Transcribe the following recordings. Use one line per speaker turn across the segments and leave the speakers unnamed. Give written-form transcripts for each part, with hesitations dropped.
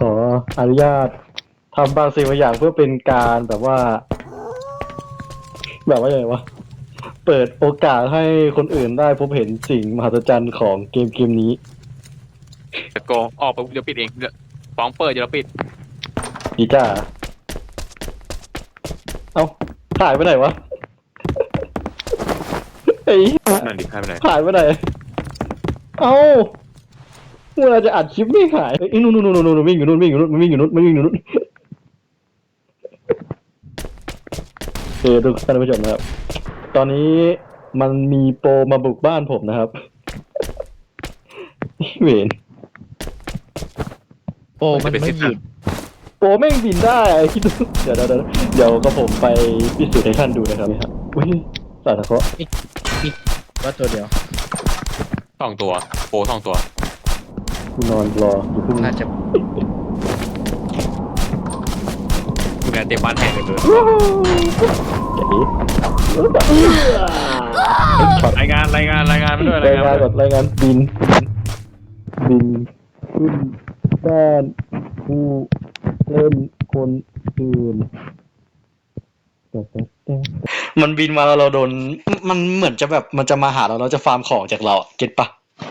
ออนุญาตทำบางสิ่งบางอย่างเพื่อเป็นการแบบว่าอย่างไรวะเปิดโอกาสให้คนอื่นได้พบเห็นสิ่งมหัศจรรย์ของเกมนี้
จะโกงออกไปเดี๋ยวปิดเองฟ้องเปิดเดี๋ยวเราปิด
ดีจ้าเอ้าหายไปไหนวะไอ้
นั่นดิใครไปไหน
หายไปไหนเอ้าเมื่อจะอัดคลิปไม่หายไอ้นู่นวิ่งอยู่นู่นวิ่งอยู่นู่นวิ่งอยู่นู่นวิ่งอยู่นู่นทุกท่านผู้ชมนะครับตอนนี้มันมีโปรมาบุกบ้านผมนะครับเวน
โอ้มันไม่หยุด
โปรแม่งบินได้คิดดูเดี๋ยวก็ผมไปพิสูจน์ให้ท่านดูนะครับอุ้ยสาธุเคราะห์
ว่าตัวเดียว
2 ตัวโป2 ตัว
กูนอนรออยู่พึ่ง
น่าจะ
มึงงานเต็มบ้านแห้งเลย
เก๋ช็อต
รายงานมาด้วย
รายงานก่อนรายงานบินขึ้นบ้านผู้เล่นคนอื่นมันบินมาแล้วเราโดนมันเหมือนจะแบบมันจะมาหาเราจะฟาร์มของจากเราเก็ตปะ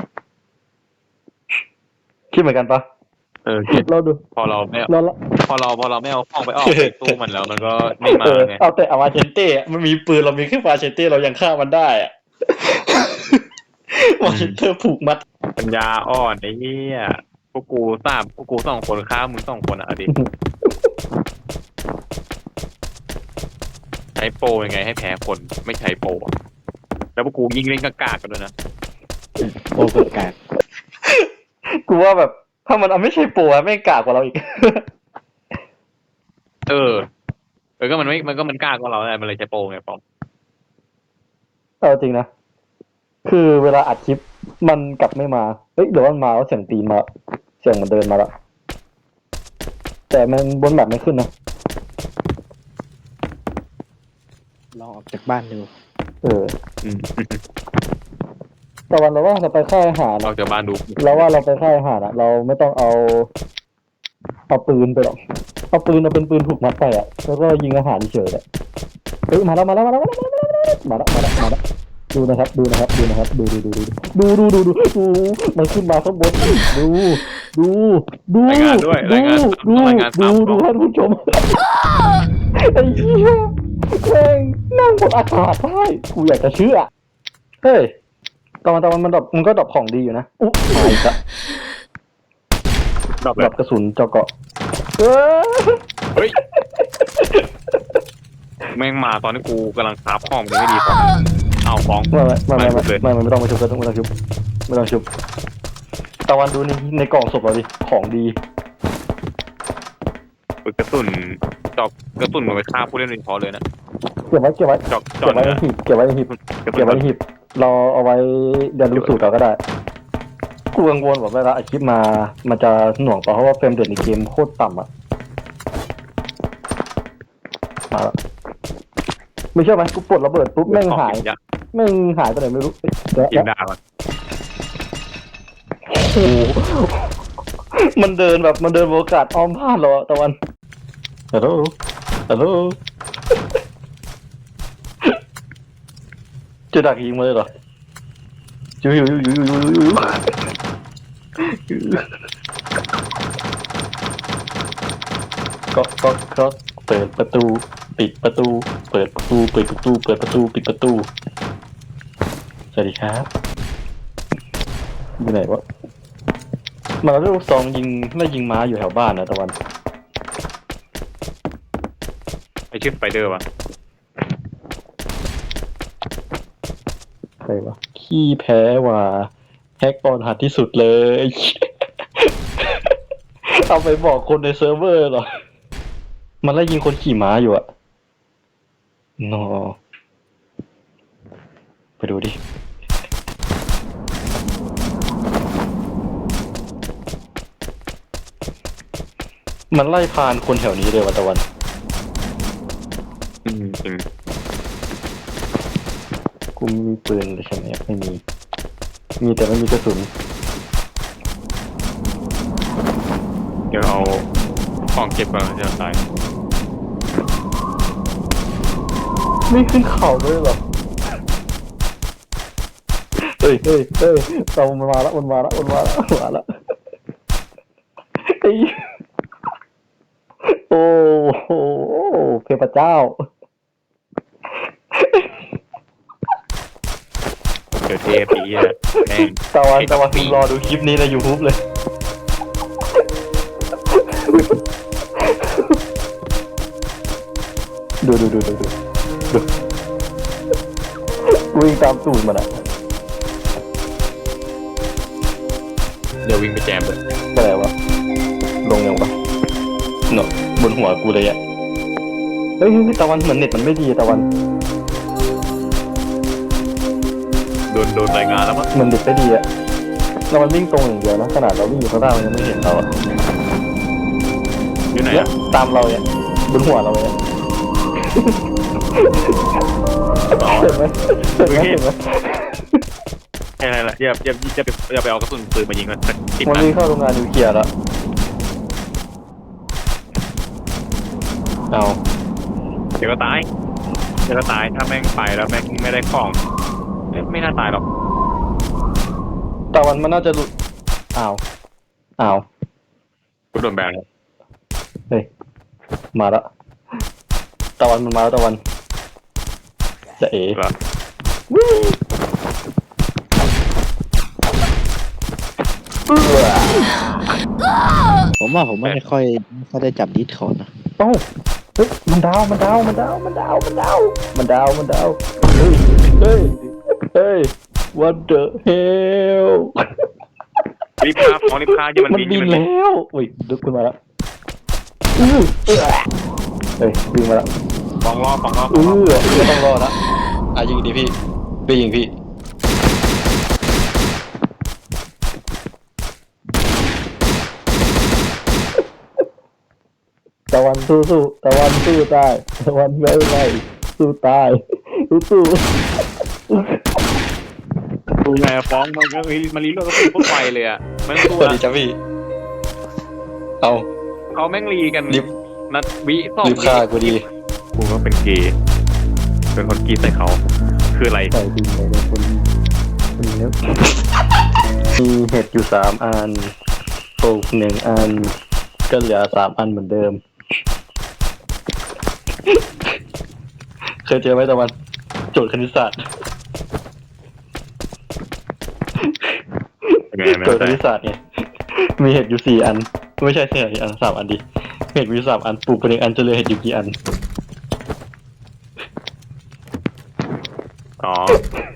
คิดเหมือนกันปะ
เก็บ
เราดู
พอเราไม่
เรา
ไม่เอาของไปออกไปตู้มันแล้วมันก็ไม่มาไง
เอาแต่อาวาเชนเต้มันมีปืนเรามีแค่ฟาเชนเต้เรายังฆ่ามันได้อะวาเชนเต้ผูกมัด
ปัญญาอ่อนไอ้เหี้ยพวกกู2 คนฆ่ามึง2 คนอ่ะดิใช้โปรยังไงให้แพ้คนไม่ใช้โปรแล้วพวกกูยิงเล่นกากกันด้วยนะ
โอ้เกิดการ
กูว่าแบบถ้ามันเอาไม่ใช่โปรอะไม่งกากกว่าเราอีก
ก็มันกล้ากว่าเราแหละมันเลยใช้โปรไงปอม
เอาจริงนะคือเวลาอัดคลิปมันกลับไม่มาเฮ้ยเดี๋ยวมันมาแล้วเสียงตีนมาเสียงมันเดินมาแล้วแต่มันบนแบบไม่ขึ้นนะ
ลองออกจากบ้านดู
แต่วันเราว่าเราไปค่ายอาหาร
ออกจากบ้านดู
เราว่าเราไปค่ายอาหารอะเราไม่ต้องเอาปืนไปหรอกเอาเป็นปืนถูกมัดไปอะแล้วก็ยิงอาหารเฉยๆเลยเฮ้ยมาแล้วดูนะครับดูมันขึ้นมาข้างบนดู
รายงานด้วยรายงาน
ดูท่านผู้ชมไอ้เหี้ยแม่งนั่งบนอากาศได้กูอยากจะเชื่อเฮ้ยตอนมันดรอปมันก็ดรอปของดีอยู่นะอุ๊ยมาอีกละดรอปกระสุนเจาะเกาะ
เฮ้ยแม่งมาตอนที่กูกำลังคราฟของมันไม่ดีฟ้องเอาฟ้อง
ไม่ต้องมาชุบไม่ต้องชุบตะวันดูในกล่องศพเราดิของดี
กระสุนมันไปฆ่าผู้เล่นโดยเฉพาะเลยนะ
เก็บไว้ในหีบเราเอาไว้เดี๋ยวดูสูตรเราก็ได้กูกังวลแบบเวลาอัดคลิปมามันจะหน่วงเพราะว่าเฟรมเรทในเกมโคตรต่ำอ่ะมาแล้วไม่เชื่อไหมกูปลดระเบิดปุ๊บแม่งหายไปไหนไม่รู้
กินดาว
โอ้มันเดินโอกาสอ้อมพลาดเราตะวันฮัลโหลจะดักยิงมาเลยเหรออยู่ก็เปิดประตูปิดประตูเปิดประตูปิดประตูสวัสดีครับอยู่ไหนวะมาแล้วลูกซองยิงม้าอยู่แถวบ้านนะตะวัน
ไอชื่อสไปเดอร์วะ
ใครวะขี้แพ้ว่ะแฮกออนหัดที่สุดเลยเอาไปบอกคนในเซิร์ฟเวอร์เหรอมันไล่ยิงคนขี่ม้าอยู่อะนอไปดูดิมันไล่พานคนแถวนี้เลยวันตะวัน
จริง
กูมีปืนเลยใช่ไหมไม่มีแต่ไม่มีกระสุน
เดี๋ยวเอาของเก็บก่อนจะตาย
ไม่ขึ้นเขาด้วยเหรอเฮ้ยเรามันมาแล้วไอ้โอ้โหเทพเจ้า
เดี๋ยวเทปอีอ่ะแม่ง
ตะวันคุณรอดูคลิปนี้ใน YouTube เลย ดูวิ่งตามตูดมันอะ
เดี๋ยววิ่งไปแจมเลย
อะไรวะลงยังวะเนาะบนหัวกูเลยอะเฮ้ยตะวันเหมือนเน็ตมันไม่ดีตะวัน
โดนรายงานแล้วมั้ง
เหมือนเน็ตไม่ดีอะเรามันวิ่งตรงอย่างเดียวนะขนาดเราวิ่งอยู่ข้างล่างมันยังไม่เห็นเราอะ
อยู่ไหน
เนี่ย
อ่ะ
ตามเราเนี่ยบนหัวเราเลยเห็นไหม
แค่นั้นแหละอย่าไปเอากระสุนปืนมายิงมันติด
มัน
นะ
วิ่งเข้าโรงงานนิวเคลียร์แล้วเอา
เดี๋ยวก็ตายถ้าแม่งไปแล้วแม่งไม่ได้ของไม่น่าตายหรอก
ตะวันมันน่าจะหลุดอ้าว
กูโดนแบนแล้ว
เฮ้ยมาแล้วตะวันมันมาแล้วตะวันจะเอ๋
เหรอ
ผมว่าผมไม่ค่อยได้จับดิสคอร์ดนะ
เอ้าเฮ้ยมันดาวเฮ้ย what the hell
รีบพาของรีบพาอย่ามัน
มัน
บิน
บิน
มันบิน
แล้วอุ้ยดึกขึ้นมาแล้วเฮ้ยวิ่งมาแล้ว
ฟองรอ
ไม่ต้องรอนะยิงดิพี่ไปยิงพี่ตะวันสู้ตะวันสู้ตายตะวันไม่สู้ตายสู้
ดูไงฟ้องมันก็มันรีโหลดก็คือพวกไฟเลยอ่ะมัน
ส
ตัว
วัสดีจ้าพี่เอา
เขาแม่งรีกัน
รีบ
นัดวิสอง
รีบฆ่ากูดี
กูก็เป็นเกย์เป็นคนกรีดใส่เขาคืออะไร
ใส่ดินไปเลยคนเนี้ยมีเห็ดอยู่3 อันปลูก1 อันก็เหลือ3 อันเหมือนเดิม เคยเจอไหมตะวันโจทย์คณิตศาสตร์
ยังไงไม่
โจท
เข้า ใจ
ย์คณิตศาสตร์ไงมีเห็ดอยู่4 อันไม่ใช่4 อัน3 อันดิเห็ดมีอยู่3 อันปลูกไป1 อันจะเหลือเห็ดอยู่กี่อัน
อ๋อ